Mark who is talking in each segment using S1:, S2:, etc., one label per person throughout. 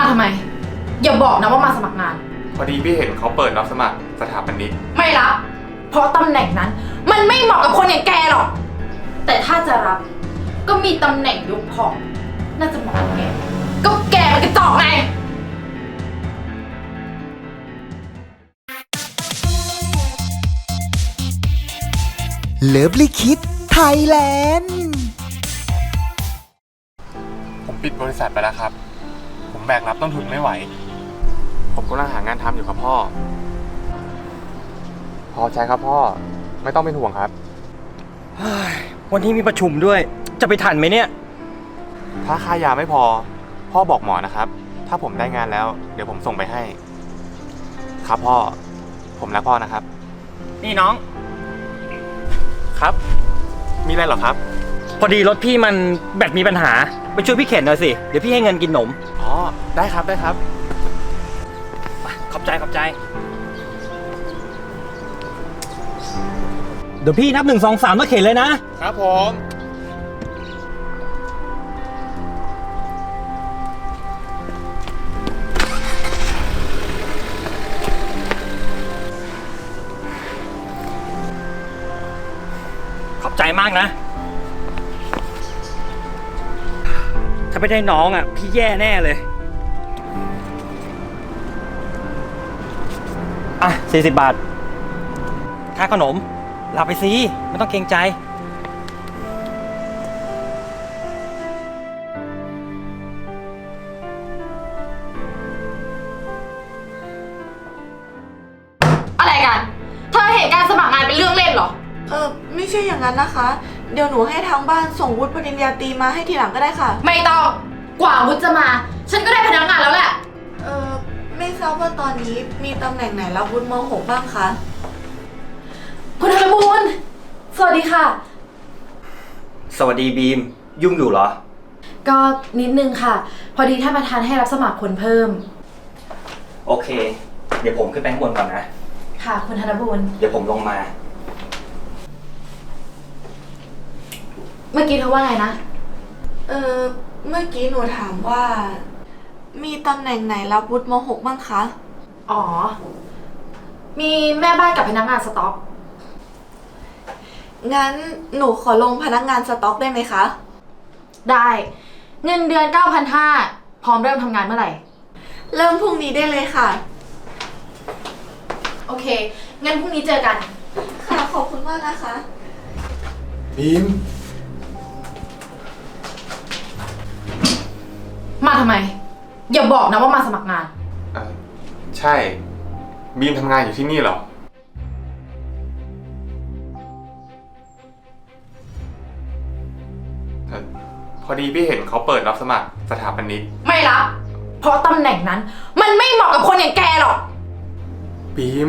S1: มาทำไมอย่าบอกนะว่ามาสมัครงาน
S2: พอดีพี่เห็นเขาเปิดรับสมัครสถาปนิก
S1: ไม่รับเพราะตำแหน่งนั้นมันไม่เหมาะกับคนอย่างแกหรอกแต่ถ้าจะรับก็มีตำแหน่งยกของน่าจะเหมาะกับแกก็แกมันกระจอกไง
S3: เลิฟลิคิดไทยแลนด์
S2: ผมปิดบริษัทไปแล้วครับผมแบกรับต้นทุนไม่ไหวผมกำลังหางานทำอยู่ครับพ่อพอใจครับพ่อไม่ต้องเป็นห่วงครับ
S4: วันนี้มีประชุมด้วยจะไปทันไหมเนี่ย
S2: ถ้าค่ายาไม่พอพ่อบอกหมอนะครับถ้าผมได้งานแล้วเดี๋ยวผมส่งไปให้ครับพ่อผมรักพ่อนะครับ
S4: นี่น้อง
S2: ครับมีอะไรหรอครับ
S4: พอดีรถพี่มันแบตมีปัญหาไปช่วยพี่เข็นหน่อยสิเดี๋ยวพี่ให้เงินกินหนม
S2: อ๋อได้ครับได้ครับ
S4: ขอบใจเดี๋ยวพี่นับ1 2 3แล้วเข็นเลยนะครับ
S2: ผม
S4: ขอบใจมากนะถ้าไม่ได้น้องอ่ะพี่แย่แน่เลยอ่ะ40 บาทค่าขนมรับไปสิไม่ต้องเกรงใจ
S1: อะไรกันเธอเห็นการสมัครงานเป็นเรื่องเล่นเหรอ
S5: ไม่ใช่อย่างนั้นนะคะเดี๋ยวหนูให้ทางบ้านส่งวุฒิปริญญาตรีมาให้ทีหลังก็ได้ค่ะ
S1: ไม่ต้องกว่าวุฒิจะมาฉันก็ได้พนักงานแล้วแหละ
S5: ไม่ทราบว่าตอนนี้มีตำแหน่งไหนรับวุฒิม.6 บ้างคะ
S1: คุณธนบูรณ์สวัสดีค่ะ
S4: สวัสดีบีมยุ่งอยู่เหรอ
S1: ก็นิดนึงค่ะพอดีท่านประธานให้รับสมัครคนเพิ่ม
S4: โอเคเดี๋ยวผมขึ้นไปข้างบนก่อนนะ
S1: ค่ะคุณธนบูรณ์
S4: เดี๋ยวผมลงมา
S1: เมื่อกี้เธอว่าไงนะ
S5: เมื่อกี้หนูถามว่ามีตำแหน่งไหนรับวุฒิม.6 บ้างคะ
S1: อ๋อมีแม่บ้านกับพนักงานสต็อก
S5: งั้นหนูขอลงพนักงานสต็อกได้ไหมคะ
S1: ได้เงินเดือน 9,500 พร้อมเริ่มทำงานเมื่อไหร่
S5: เริ่มพรุ่งนี้ได้เลยค่ะ
S1: โอเคงั้นพรุ่งนี้เจอกัน
S5: ค่ะขอบคุณมากนะคะ
S2: บีม
S1: มาทำไมอย่าบอกนะว่ามาสมัครงาน
S2: ใช่บีมทำงานอยู่ที่นี่เหรอพอดีพี่เห็นเขาเปิดรับสมัครสถาปนิก
S1: ไม่รับเพราะตำแหน่งนั้นมันไม่เหมาะกับคนอย่างแกหรอก
S2: บีม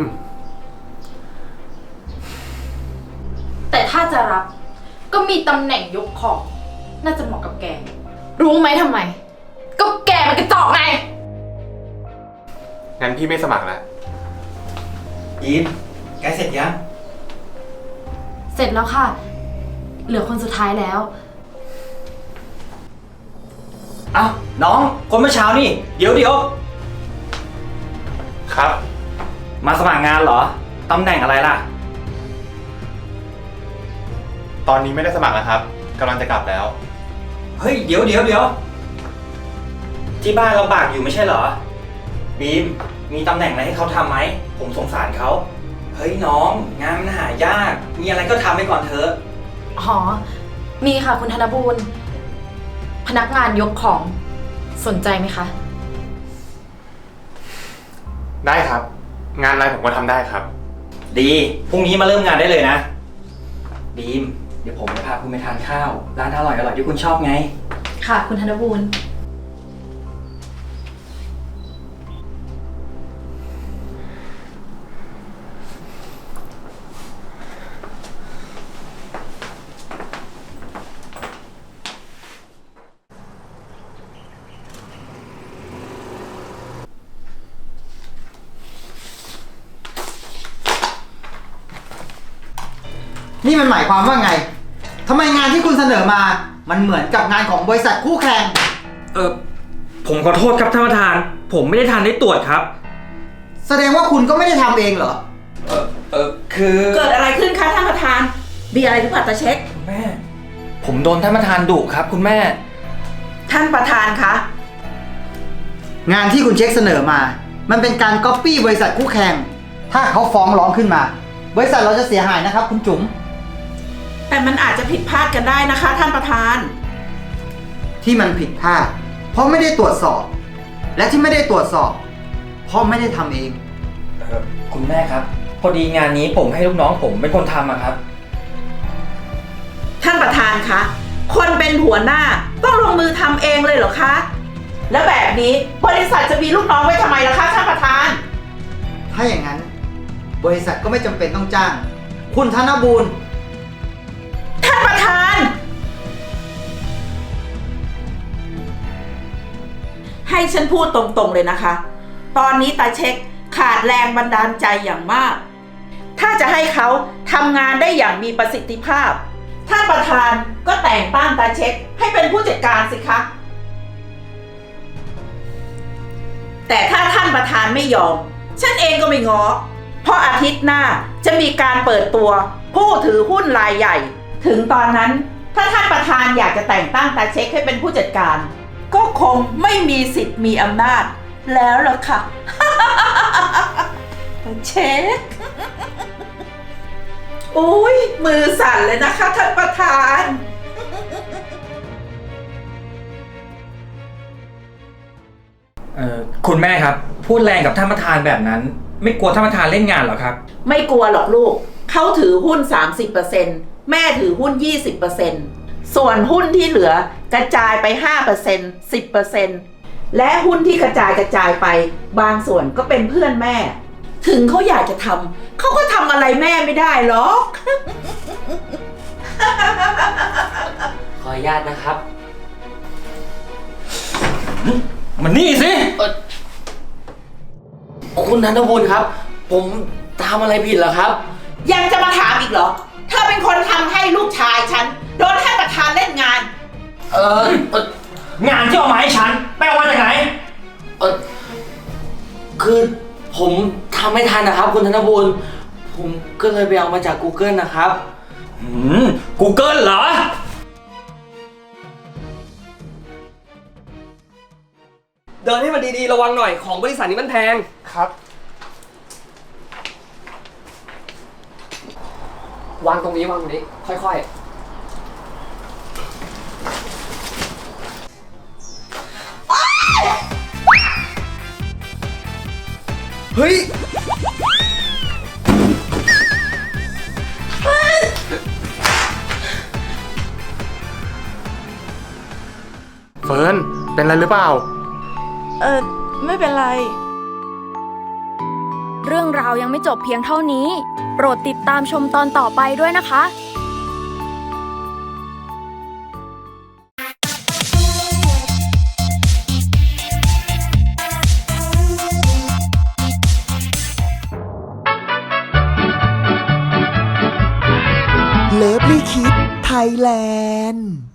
S1: แต่ถ้าจะรับก็มีตำแหน่งยกของน่าจะเหมาะกับแกรู้ไหมทำไมก็แกมันกระจอกไง
S2: งั้นพี่ไม่สมัครแล้ว
S4: บีมแกเสร็จยัง
S1: เสร็จแล้วค่ะเหลือคนสุดท้ายแล้ว
S4: เอ้าน้องคนเมื่อเช้านี่เดี๋ยว
S2: ครับ
S4: มาสมัครงานเหรอตำแหน่งอะไรล่ะ
S2: ตอนนี้ไม่ได้สมัครแล้วครับกำลังจะกลับแล้ว
S4: เฮ้ยเดี๋ยวที่บ้านลำบากอยู่ไม่ใช่เหรอบีมมีตำแหน่งอะไรให้เขาทำไหมผมสงสารเขาเฮ้ยน้องงานมันหายากมีอะไรก็ทำไปก่อนเถอะ
S1: อ๋อมีค่ะคุณธนบูรณ์พนักงานยกของสนใจไหมคะ
S2: ได้ครับงานอะไรผมก็ทำได้ครับ
S4: ดีพรุ่งนี้มาเริ่มงานได้เลยนะบีมเดี๋ยวผมจะพาคุณไปทานข้าวร้านอร่อยที่คุณชอบไง
S1: ค่ะคุณธนบูรณ์
S3: นี่มันหมายความว่าไงทำไมงานที่คุณเสนอมามันเหมือนกับงานของบริษัทคู่แข่ง
S4: ผมผมขอโทษครับท่านประธาน ผมไม่ได้ทันได้ตรวจครับ
S6: แสดงว่าคุณก็ไม่ได้ทำเองเหรอ
S4: คือ
S7: เกิดอะไรขึ้นคะท่านประธาน มีอะไรหรือเปล่าตาเช็ค
S4: แม่ ผมโดนท่านประธานดุครับคุณแม่
S7: ท่านประธานคะ
S6: งานที่คุณเช็คเสนอมา มันเป็นการก๊อปปี้บริษัทคู่แข่ง ถ้าเขาฟ้องร้องขึ้นมา บริษัทเราจะเสียหายนะครับคุณจุ๋ม
S7: แต่มันอาจจะผิดพลาดกันได้นะคะ ท่านประธาน
S6: ที่มันผิดพลาด เพราะไม่ได้ตรวจสอบ และที่ไม่ได้ตรวจสอบ เพราะไม่ได้ทำเอง
S4: คุณแม่ครับ พอดีงานนี้ผมให้ลูกน้องผมเป็นคนทำอะครับ
S7: ท่านประธานคะ คนเป็นหัวหน้าต้องลงมือทำเองเลยเหรอคะ แล้วแบบนี้บริษัทจะมีลูกน้องไว้ทำไมล่ะคะท่านประธาน
S6: ถ้าอย่างนั้น บริษัทก็ไม่จำเป็นต้องจ้าง คุณธนบูรณ์
S7: ท่านประธาน ให้ฉันพูดตรงๆเลยนะคะ ตอนนี้ตาเช็คขาดแรงบันดาลใจอย่างมาก ถ้าจะให้เขาทำงานได้อย่างมีประสิทธิภาพ ท่านประธานก็แต่งตั้งตาเช็คให้เป็นผู้จัดการสิคะ แต่ถ้าท่านประธานไม่ยอม ฉันเองก็ไม่ง้อ เพราะอาทิตย์หน้าจะมีการเปิดตัวผู้ถือหุ้นรายใหญ่ ถึงตอนนั้นถ้าท่านประธานอยากจะแต่งตั้งตาเช็คให้เป็นผู้จัดการ ก็คงไม่มีสิทธิ์มีอำนาจแล้วล่ะค่ะ ตาเช็ค อุ้ยมือสั่นเลยนะคะท่านประธาน
S4: คุณแม่ครับ พูดแรงกับท่านประธานแบบนั้น ไม่กลัวท่านประธานเล่นงานเหรอครับ
S7: ไม่กลัวหรอกลูก เขาถือหุ้น 30%แม่ถือหุ้น 20%ส่วนหุ้นที่เหลือกระจายไป 5% 10%และหุ้นที่กระจายไปบางส่วนก็เป็นเพื่อนแม่ ถึงเขาอยากจะทำเขาก็ทำอะไรแม่ไม่ได้หรอก
S8: ขออนุญาตนะครับ
S4: มันนี่สิ
S8: คุณธนบุญครับ ผมทำอะไรผิดเหรอครับ
S7: ยังจะมาถามอีกเหรอ เธอเป็นคนทำให้ลูกชายฉันโดนท่านประธานเล่นงาน
S4: งานที่เอามาให้ฉันไปเอามาจากไหน
S8: คือผมทำไม่ทันนะครับ คุณธนบุญผมก็เลยไปเอามาจาก Google นะครับ
S4: Google เหรอ
S9: เดินให้มันดีๆ ระวังหน่อย ของบริษัทนี้มันแพง
S2: ครับ
S9: วางตรงนี้วางตรงนี้ ค่อยๆ เฮ้ย
S2: เฟิร์น เป็นอะไรหรือเปล่า
S5: ไม่เป็นไร
S10: เรื่องราวยังไม่จบเพียงเท่านี้ โปรดติดตามชมตอนต่อไปด้วยนะคะ
S3: เลิฟลี่คิดไทยแลนด์